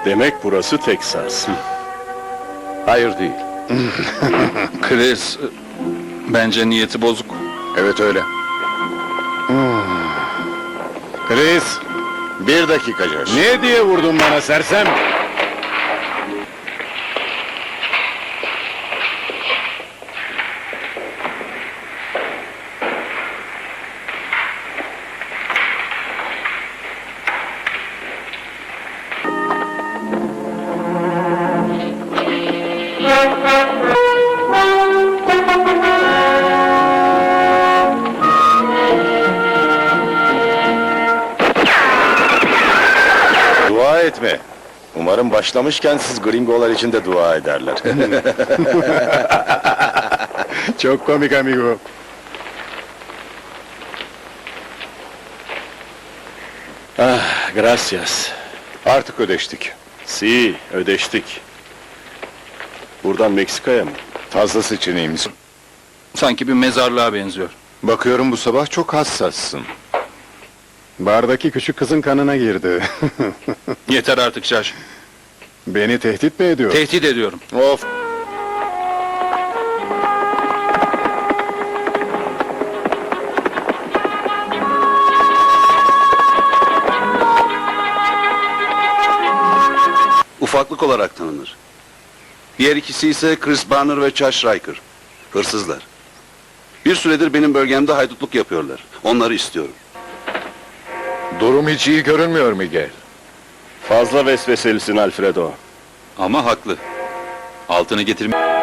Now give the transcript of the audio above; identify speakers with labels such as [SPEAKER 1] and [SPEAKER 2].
[SPEAKER 1] Demek burası Teksas.
[SPEAKER 2] Hayır değil.
[SPEAKER 3] Chris, bence niyeti bozuk.
[SPEAKER 2] Evet öyle.
[SPEAKER 1] Chris,
[SPEAKER 2] Bir dakika Josh.
[SPEAKER 1] ne diye vurdun bana sersem?
[SPEAKER 2] Dua etme. Umarım başlamışken siz gringolar için de dua ederler.
[SPEAKER 1] Çok komik amigo. Ah, gracias.
[SPEAKER 2] Artık ödeştik.
[SPEAKER 1] Si, ödeştik. Buradan Meksika'ya mı?
[SPEAKER 2] Fazlası için iyi misin?
[SPEAKER 3] Sanki bir mezarlığa benziyor.
[SPEAKER 2] Bakıyorum bu sabah çok hassassın.
[SPEAKER 1] Bardaki küçük kızın kanına girdi.
[SPEAKER 3] Yeter artık Josh.
[SPEAKER 1] Beni tehdit mi ediyor?
[SPEAKER 3] Tehdit ediyorum.
[SPEAKER 2] Of!
[SPEAKER 4] Ufaklık olarak tanınır. Diğer ikisi ise Chris Barner ve Josh Riker. Hırsızlar. Bir süredir benim bölgemde haydutluk yapıyorlar. Onları istiyorum.
[SPEAKER 2] Durum hiç iyi görünmüyor Miguel.
[SPEAKER 1] Fazla vesveselisin Alfredo.
[SPEAKER 3] Ama haklı. Altını getirme...